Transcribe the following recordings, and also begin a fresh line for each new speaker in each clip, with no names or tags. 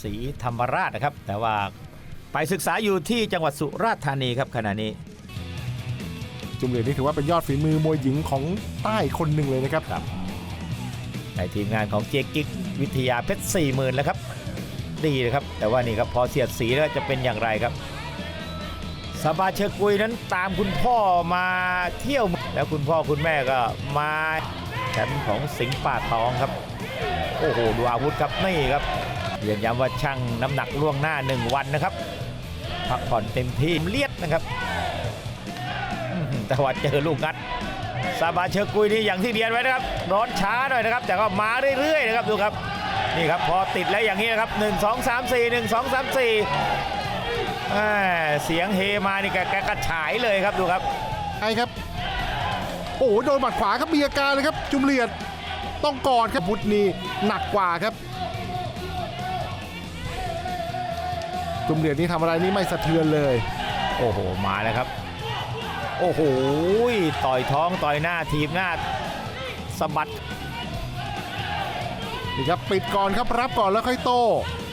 ศรีธรรมราชนะครับแต่ว่าไปศึกษาอยู่ที่จังหวัดสุราษฎร์ธานีครับขณะนี้
จุมเหรียญนี่ถือว่าเป็นยอดฝีมือมวยหญิงของใต้คนหนึ่งเลยนะครับ
ในทีมงานของเจกิ๊กวิทยาเพชร 40,000แล้วครับดีนะครับแต่ว่านี่ครับพอเสียดสีแล้วจะเป็นอย่างไรครับสบาเชอกุยนั้นตามคุณพ่อมาเที่ยวแล้วคุณพ่อคุณแม่ก็มาแชมป์ของสิงห์ป่าตองครับโอ้โหดูอาวุธครับนี่ครับเรียนย้ำว่าชั่งน้ำหนักล่วงหน้า1วันนะครับพักผ่อนเต็มที่เลียดนะครับแต่ว่าเจอลูกงัดซาบาเชอกุยนี่อย่างที่เรียนไว้นะครับร้อนช้าหน่อยนะครับแต่ก็มาเรื่อยๆนะครับดูครับนี่ครับพอติดแล้วอย่างนี้นะครับ1 2 3 4 1 2 3 4เสียงเฮมานี่แกกระฉายเลยครับดูครับ
ใช่ครับโอ้โหโดนหมัดขวาครับมีอาการเลยครับจุมเหรียญต้องกอดครับพุทธนี่หนักกว่าครับจุมเหรียญนี่ทำอะไรนี่ไม่สะเทือนเลย
โอ้โหมาแล้วครับโอ้โหต่อยท้องต่อยหน้าทีบหน้าสะบัด
นี่ครับปิดก่อนครับรับก่อนแล้วค่อยโต้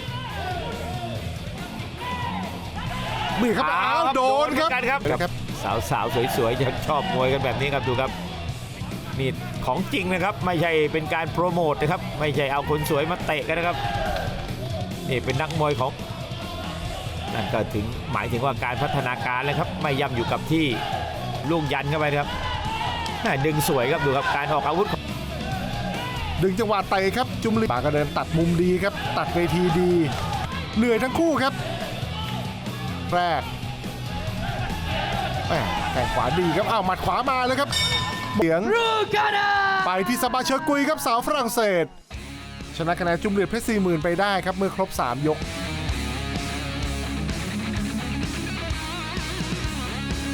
มีครับอ้าวโดนครับ
สาวสวยๆจะชอบมวยกันแบบนี้ครับดูครับนี่ของจริงนะครับไม่ใช่เป็นการโปรโมทนะครับไม่ใช่เอาคนสวยมาเตะกันนะครับนี่เป็นนักมวยของนั่นก็ถึงหมายถึงว่าการพัฒนาการเลยครับไม่ย่ำอยู่กับที่ลูกยันเข้าไปครับดึงสวยครับดูครับการออกอาวุธ
ดึงจังหวะเตะครับจุมเหรียญปากก็เดินตัดมุมดีครับตัดเวทีดีเหนื่อยทั้งคู่ครับแรกแข้งขวาดีครับอ้าวหมัดขวามาเลยครับเสียงไปที่ซาบาเชอกุยครับสาวฝรั่งเศสชนะคะแนนจุมเหรียญเพชร 40,000ไปได้ครับเมื่อครบ3 ยก